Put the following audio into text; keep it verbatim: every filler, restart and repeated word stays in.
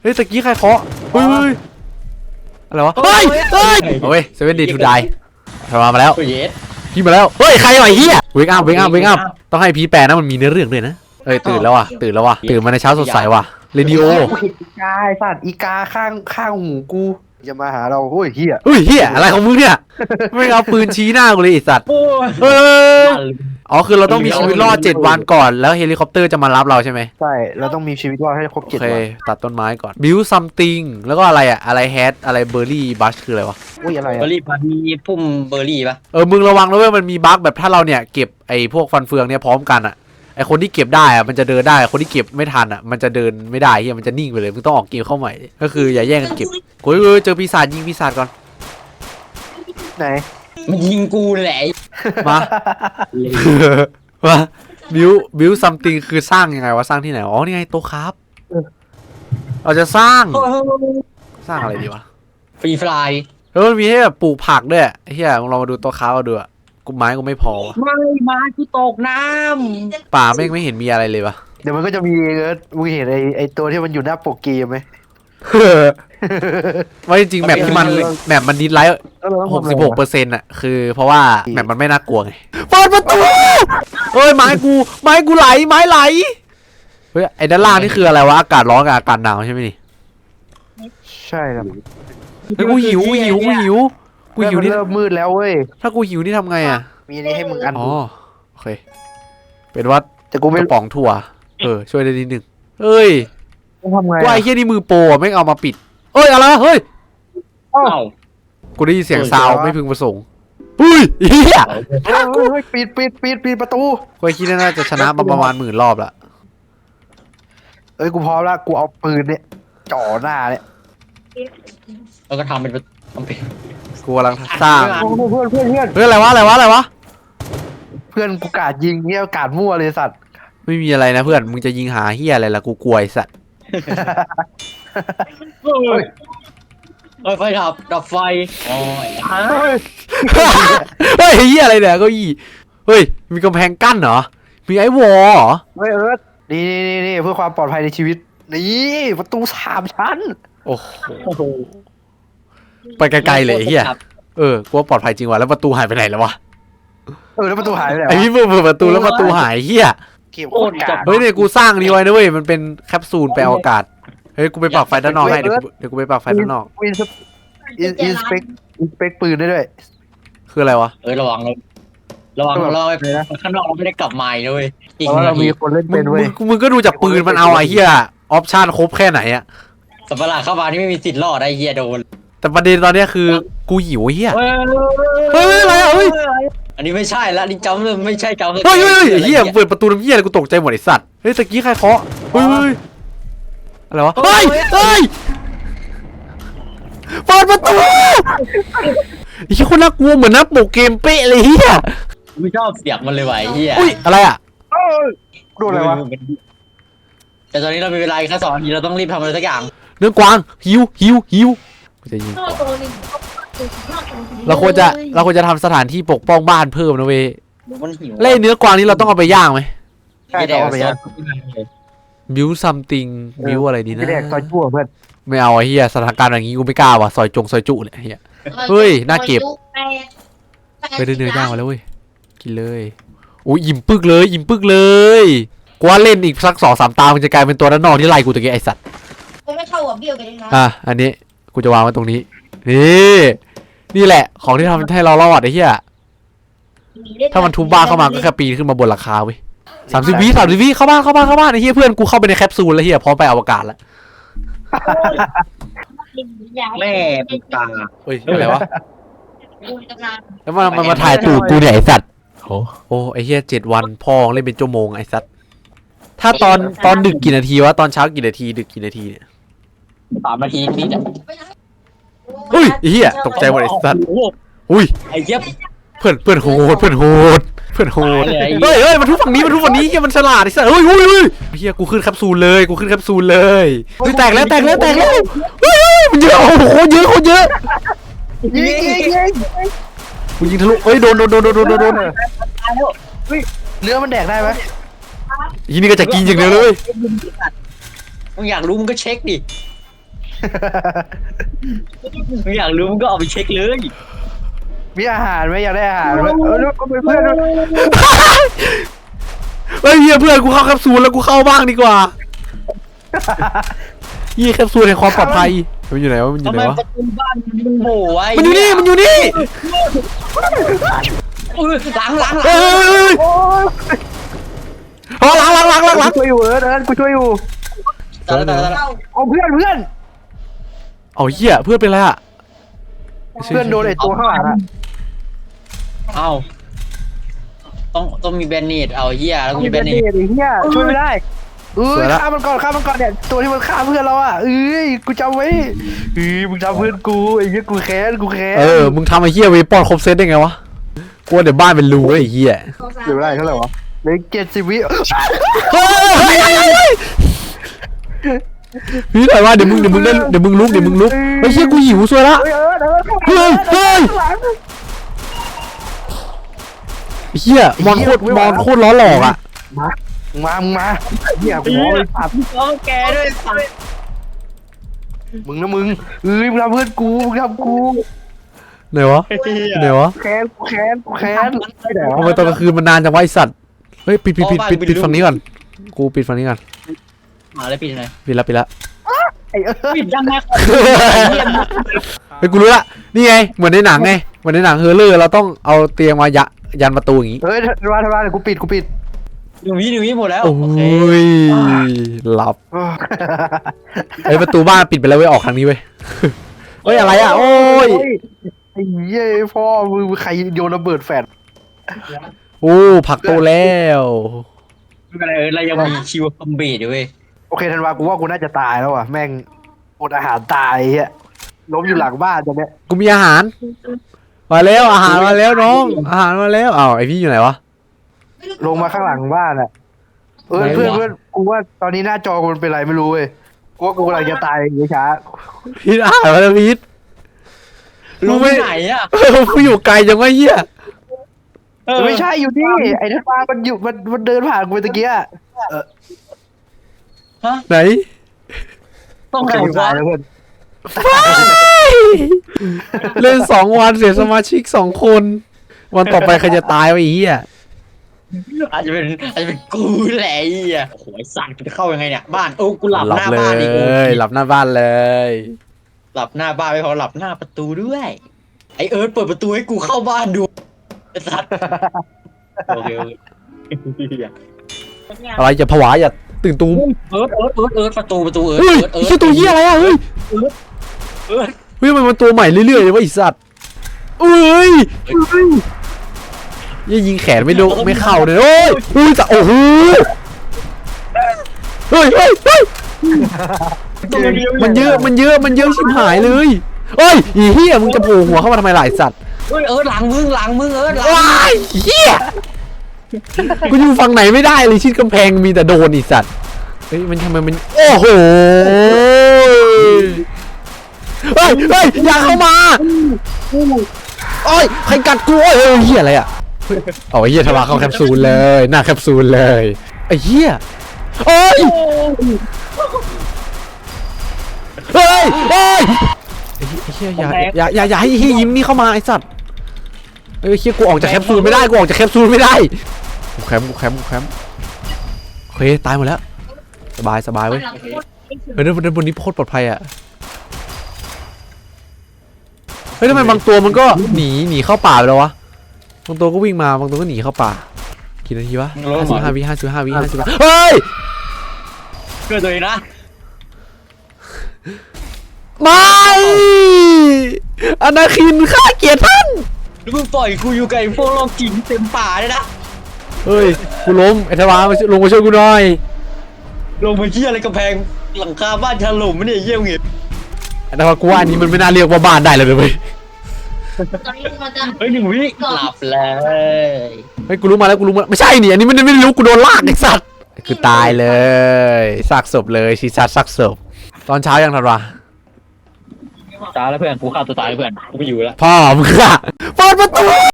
เฮ้ยตะกี้ใครเคาะเฮ้ยอะไรวะเฮ้ยเฮ้ยโอ้ยเซเว่นดีทูไดทำมาแล้วพี่มาแล้วเฮ้ยใครวะเฮียเวกอัพเวกอัพเวกอัพต้องให้พี่แปลนะมันมีเนื้อเรื่องด้วยนะเอ้ยตื่นแล้วว่ะตื่นแล้วว่ะตื่นมาในเช้าสดใสว่ะเรดิโออีกาไอ้สัตว์อีกาข้างข้างหูกูจะมาหาเราโอ้ยเฮียเฮ้ยเฮียอะไรของมึงเนี่ยไม่เอาปืนชี้หน้ากูเลยไอ้สัตว์เฮ้ยอ๋อคือเราต้องมีชีวิตรอดเจ็ดวันก่อนแล้วเฮลิคอปเตอร์จะมารับเราใช่ไหมใช่เราต้องมีชีวิตรอดให้ครบเจ็ดวันตัดต้นไม้ก่อนบิวซัมติงแล้วก็อะไรอะอะไรแฮดอะไรเบอร์รี่บัชคืออะไรวะอุ้ยอะไรเบอร์รี่พันมีพุ่มเบอร์รี่ปะเออมึงระวังนะเว้ยมันมีบั๊กแบบถ้าเราเนี่ยเก็บไอ้พวกฟันเฟืองเนี่ยพร้อมกันอะไอคนที่เก็บได้อะมันจะเดินได้คนที่เก็บไม่ทันอะมันจะเดินไม่ได้เฮียมันจะนิ่งไปเลยมึงต้องออกเกมเข้าใหม่ก็คืออย่าแย่งกันเก็บโอ้ยเจอปีศาจยิงปีศาจก่อนไหนมันยิงกูแหละมามาบิวบิวซัมติงคือสร้างยังไงวะสร้างที่ไหนอ๋อนี่ไงโต๊ะครับเราจะสร้างสร้างอะไรดีวะฟรีฟลายเออมันมีให้แบบปลูกผักด้วยเฮียลองมาดูโต๊ะครับมาดูอะกูไม้กูไม่พอไม่ไม้กูตกน้ำป่าไม่ไม่เห็นมีอะไรเลยวะเดี๋ยวมันก็จะมีมึงเห็นไอไอตัวที่มันอยู่หน้าปกเกมไหมว่าจริงๆแมปที่มันแมปมันดิสไลท์หกสิบหกเปอร์เซ็นต์อะคือเพราะว่าแมปมันไม่น่ากลัวไงเปิดประตูเฮ้ยไม้กูไม้กูไหลไม้ไหลเฮ้ยไอ้ด้านล่างนี่คืออะไรวะอากาศร้อนกับอากาศหนาวใช่ไหมนี่ใช่ครับเฮ้ยกูหิวกูหิวกูหิวกูหิวนี่เริ่มมืดแล้วเว้ยถ้ากูหิวนี่ทำไงอะมีนี่ให้มึงอันอ๋อโอเคเป็นว่าแต่กูไม่กระป๋องถั่วเออช่วยได้นิดนึงเฮ้ยทำไงกูไอ้เหี้ยนี่มือโปรไม่เอามาปิดเอ้ยอะไรเฮ้ยอ้าวกูได้ยินเสียงซาวไม่พึงประสงค์เฮ้ยเฮียปิดปิดปิดปิดประตูกูคิดว่าน่าจะชนะมาประมาณหมื่นรอบละเอ้ยกูพร้อมแล้วกูเอาปืนเนี่ยจ่อหน้าเนี่ยแล้วก็ทำเป็นทำเป็นกูกำลังสร้างเพื่อนเพื่อนเพื่อนเฮ้ยอะไรวะอะไรวะอะไรวะเพื่อนกูกาดยิงเนี่ยกาดมั่วเลยสัตว์ไม่มีอะไรนะเพื่อนมึงจะยิงหาเฮียอะไรล่ะกูกลัวไอ้สัตว์เฮ้ยไฟดับดับไฟโอ้ยเฮ้ยเฮียอะไรเนี่ยเก้าอี้เฮ้ยมีกำแพงกั้นเหรอมีไอ้วอลเหรอเฮ้ยเอิร์ธนี่นี่นี่เพื่อความปลอดภัยในชีวิตนี่ประตูสามชั้นโอ้โหไปไกลๆเลยเฮียเออกูว่าปลอดภัยจริงว่ะแล้วประตูหายไปไหนแล้ววะเออแล้วประตูหายไปไหนไอ้พี่เปิดประตูแล้วประตูหายเฮียเก็บโคตรกาเฮ้ยเนี่ยกูสร้างนี่ไว้นะเว้ยมันเป็นแคปซูลไปอากาศเฮ้ยกูไปปักไฟด้านนอกให้เดี๋ยวเดี๋ยวกูไปปักไฟด้านนอกอินอินสเปกอินสเปกปืนได้ด้วยคืออะไรวะเออระวังเลยระวังเราไปข้างนอกเราไม่ได้กลับมาเลยอีกเรามีคนเล่นเป็นเว้ยมึงก็ดูจากปืนมันเอาไอ้เหี้ยออปชั่นครบแค่ไหนอะสัปปะหลาดเข้ามานี่ไม่มีสิทธิ์รอดไอ้เหี้ยโดนแต่ประเด็นตอนนี้คือกูหิวเหี้ยเฮ้ยอะไรอ่ะเฮ้ยอันนี้ไม่ใช่ละนี่จำเลยไม่ใช่จำเฮ้ยเฮ้ยเหี้ยเปิดประตูน้ำเหี้ยอะไรกูตกใจหมดไอ้สัตว์เฮ้ยตะกี้ใครเคาะเฮ้ยอะไรวะเฮ้ยเฮ้ยเปิดประตูไอ้เหี้ยคนน่ากลัวเหมือนนักโปเกมเป๊ะเลยเหี้ยไม่ชอบเสียงมันเลยว่ะไอ้เหี้ยอุ้ยอะไรอ่ะโดนอะไรวะแต่ตอนนี้เรามีเวลาแค่สองนาทีเราต้องรีบทำอะไรสักอย่างเนื้อกวางหิวหิวหิวจะยิงเราควรจะเราควรจะทำสถานที่ปกป้องบ้านเพิ่มนะเว้ยเล่เนื้อกวางนี้เราต้องเอาไปย่างไหมใช่เอาไปย่างบิวซัมติงบิวอะไรดีนะไม่แดกซอยชั่วเพื่อนไม่เอาไอ้เหี้ยสถานการณ์อย่างงี้กูไม่กล้าว่ะซอยจงซอยจุเนี่ยเฮียเฮ้ยน่าเก็บไปเดินเนื้อย่างมาแล้วเว้ยกินเลยโอ้ยอิ่มปึกเลยอิ่มปึกเลยกูว่าเล่นอีกสักสองสามตามันจะกลายเป็นตัวด้านนอกที่ไล่กูตะกี้ไอสัตว์ไม่เข้าหัวเบี้ยวกันเลยนะอ่ะอันนี้กูจะวางไว้ตรงนี้นี่นี่แหละของที่ทำให้เรารอดไอ้เหี้ยถ้ามันทุบบ้านเข้ามาก็แค่ปีนขึ้นมาบนหลังคาเว้ยสามสิบวิสามสิบวิเข้าบ้านเข้าบ้านเข้าบ้านไอ้เหี้ยเพื่อนกูเข้าไปในแคปซูลแล้วเหี้ยพร้อมไปอวกาศแล้วแม่ปุตตาเฮ้ยอะไรวะแล้วมันมันมาถ่ายตูดกูเนี่ยไอสัตว์โอ้โหไอ้เหี้ยเจ็ดวันพ่อเล่นเป็นชั่วโมงไอ้สัตว์ถ้าตอนตอนดึกกี่นาทีวะตอนเช้ากี่นาทีดึกกี่นาทีเนี่ยสามนาทีนี่จ้ะเฮ้ยไอ้เหี้ยตกใจหมดไอ้สัตว์อุ้ยไอ้เหี้ยเพื่อนเพื่อนโหดเพื่อนโหดเพื่อนโหดเฮ้ยเฮ้ยมันทุบฝั่งนี้มันทุบฝั่งนี้เฮียมันฉลาดไอ้สัสเฮ้ยเฮ้ยเฮ้ยเฮียกูขึ้นแคปซูลเลยกูขึ้นแคปซูลเลยเฮ้ยแตกแล้วแตกแล้วแตกแล้วเฮ้ยมันเยอะโอ้โหโคตรเยอะโคตรเยอะยิงยิงยิงกูยิงทะลุเฮ้ยโดนโดนโดนโดนโดนโดนเนื้อมันแดกได้ไหมทีนี้ก็จะกินอย่างเดียวเลยมึงอยากรู้มึงก็เช็คดิมึงอยากรู้มึงก็เอาไปเช็คเลยมีอาหารไหมอยากได้อาหารไหมเออแล้วก็เป็นเพื่อนด้วยเฮ้ยเฮียเพื่อนกูเข้าแคปซูลแล้วกูเข้าบ้างดีกว่ายี่แคปซูลในความปลอดภัยมันอยู่ไหนวะมันอยู่ทำไหไมนวะประตูบ้านมันโหว่ไว้มันอยู่นี่มันอยู่นี่เออหลังหลังหลัเฮ้ยโอ้ยอ๋อหลังหลังหลังหลังหลังกูช่วยอยู่เอิร์ธเอิร์ธกูช่วยอยู่ตายแล้วตายแล้วเข้าเอาเพื่อนเพื่อนเอาเหี้ยเพื่อนเป็นไรอะเพื่อนโดนไอ้ตัวข้างหลังอะเอ้าต้องต้องมีแบนเนตเอาเหี้ยแล้วกูมีแบนเนตไอ้เหี้ยช่วยไม่ได้เอ้ยฆ่ามันก่อนฆ่ามันก่อนเนี่ยตัวที่มันฆ่าเพื่อนเราอ่ะเอ้ยกูจำไว้เอ้ยมึงทำเพื่อนกูไอ้เหี้ยกูแค้นกูแค้นเออมึงทำไอ้เหี้ยเวปอนครบเซตได้ไงวะกลัวเดี๋ยวบ้านเป็นรูไอ้เหี้ยสองสามเดี๋ยวได้เท่าไหร่วะเหลือเจ็ดสิบวิเฮ้ยพี่หน่อยว่าเดี๋ยวมึงเดี๋ยวมึงเล่นเดี๋ยวมึงลุกเดี๋ยวมึงลุกไอ้เหี้ยกูหิวซวยละเฮ้ยเออเดินเข้ามาเฮ้ยเฮ้ยข้างหลังไอ้เหี้ยมอนโคตรมอนโคตรล้อหลอกอะมามึงมามึงมาไอ้เหี้ยกูบอกเลยปัดเอาแกด้วยสัตว์มึงนะมึงเอ้ยมึงทำเพื่อนกูมึงทำกูไหนวะไหนวะแค้นกูแค้นกูแค้นไม่ได้ทำไมตอนกลางคืนมันนานจังวะไอสัตว์เฮ้ยปิดปิดปิดปิดปิดฝั่งนี้ก่อนกูปิดฝั่งนี้ก่อนมาเลยปิดหน่อยปิดละปิดละไอ้เออปิดยังไงเฮ้ยกูรู้ละนี่ไงเหมือนในหนังไงเหมือนในหนังเฮอร์เรอร์เราต้องเอาเตียงมายะยันประตูอย่างงี้เฮ้ยทำลายทำลายเดี๋ยวกูปิดกูปิดหนึ่งวิหนึ่งวิหมดแล้วโอ้โอเคยหลับไอ้ยประตูบ้านปิดไปแล้วเว้ยออกทางนี้เว้ยเฮ้ยอะไรอ่ะโอ้ยไอ้เหี้ยพ่อมึงใครโยนระเบิดแฟดโอ้ผักโตแล้วไม่เป็นไรเออเรายังมีคิวคอมเบทอยู่เว้ยโอเคธันวากูว่ากูน่าจะตายแล้วอ่ะแม่งอดอาหารตายไอ้เฮียล้มอยู่หลังบ้านตอนเนี้ยกูมีอาหารมาแล้วอาหารมาแล้วน้องอาหารมาแล้วอ้าวไอพี่อยู่ไหนวะลงมาข้างหลังบ้านอ่ะเออไหนวะเพื่อนเพื่อนกูว่าตอนนี้หน้าจอกูมันเป็นไรไม่รู้เว้ยกูว่ากูกำลังจะตายอย่างช้าพีทอาหารมาแล้วพีทรู้ไปไหนอ่ะเออกูอยู่ไกลจังวะเหี้ยเออไม่ใช่อยู่นี่ไอ้ธันวามันอยู่มันมันเดินผ่านกูไปตะเกียเออฮะไหนต้องโอไหเคน กูตาวะยแล้วเพื่อนเล่นสองวันเสียสมาชิกสองคน วันต่อไปใครจะตายวะไอ้เหี้ยอาจจะเป็นอาจจะเป็นกูแหละไอ้เหี้ยโอ้โหไอ้สัตว์จะเข้ายังไงเนี่ยบ้านโอ้กูหลับหลัหน้าเลบ้านอีกยหลับหน้าบ้านเลยหลับหน้าบ้านไม่พอหลับหน้าประตูด้วยไอเอิร์ธเปิดประตูให้กูเข้าบ้านดูไอ้สัตว์โอเคโอเคอะไรจะผวาอย่าตื่นตูมเอิร์ธเอิร์ธเอิร์ธเอิร์ธประตูประตูเอิร์ธเฮ้ยเอิร์ธไอ้เหี้ยตัวเหี้ยอะไรอ่ะเฮ้ยเอิร์ธเฮ้ยมันมันตัวใหม่เรื่อยๆเลยวะไอ้สัตว์เอ้ยยี่ยิงแขนไม่โดนไม่เข้าเลยโอ้ยอุ้ยจะโอ้โหเฮ้ยเฮ้ยเฮ้ยตัวเดียวมันเยอะมันเยอะมันเยอะชิบหายเลยเฮ้ยอีเหี้ยมึงจะโผล่หัวเข้ามาทำไมหลายสัตว์เฮ้ยเอิร์ธหลังมึงหลังมึงเอิร์ธหลังว้ายเหี้ยกูอยู่ฝั่งไหนไม่ได้เลยชิดกำแพงมีแต่โดนอีสัตว์เฮ้ยมันทำไมมันโอ้โหเฮ้ยเฮ้ยอย่าเข้ามาโอ้ยใครกัดกูโอ้ยเฮ้ยเหี้ยอะไรอ่ะเอาไอ้เหี้ยทะลาเข้าแคปซูลเลยหน้าแคปซูลเลยไอ้เหี้ยโอ้ยเฮ้ยเฮ้ยไอ้เหี้ยอย่าอย่าอย่าอย่าให้เหี้ยยิ้มนี่เข้ามาไอ้สัตว์เฮ้ยเหี้ยกูออกจากแคปซูลไม่ได้กูออกจากแคปซูลไม่ได้กูแคมป์กูแคมป์กูแคมป์โอเคตายหมดแล้วสบายสบายเว้ยเฮ้ยบนนี้โคตรปลอดภัยอ่ะเฮ้ยทำไมบางตัวมันก็หนีหนีเข้าป่าไปแล้ววะบางตัวก็วิ่งมาบางตัวก็หนีเข้าป่ากี่นาทีวะห้าสิบห้าวิห้าสิบห้าวิห้าสิบเฮ้ยเกิดตัวเองนะไม่อนาคินข้าเกลียดท่านแล้วมึงปล่อยกูอยู่กับไอ้พวกโรคจิตเต็มป่าเลยนะเฮ้ยกูล้มไอ้ทวารมาลงมาช่วยกูหน่อยลงไปเหี้ยอะไรกำแพงหลังคาบ้านถล่มไม่ได้เยี่ยมเงี้ยไอ้ทวารกูว่าอันนี้มันไม่น่าเรียกว่าบ้านได้เลยเว้ยตอนนี้มันจะเฮ้ยหนึ่งวิหลับเลยเฮ้ยกูรู้มาแล้วกูรู้มาไม่ใช่นี่อันนี้ไม่ได้ไม่ได้รู้กูโดนลากไอ้สัตว์คือตายเลยซากศพเลยชีซัดซากศพตอนเช้ายังทันวะตายแล้วเพื่อนกูฆ่าตัวตายเพื่อนกูไม่อยู่แล้วพ่อมึงอะเปิดประตู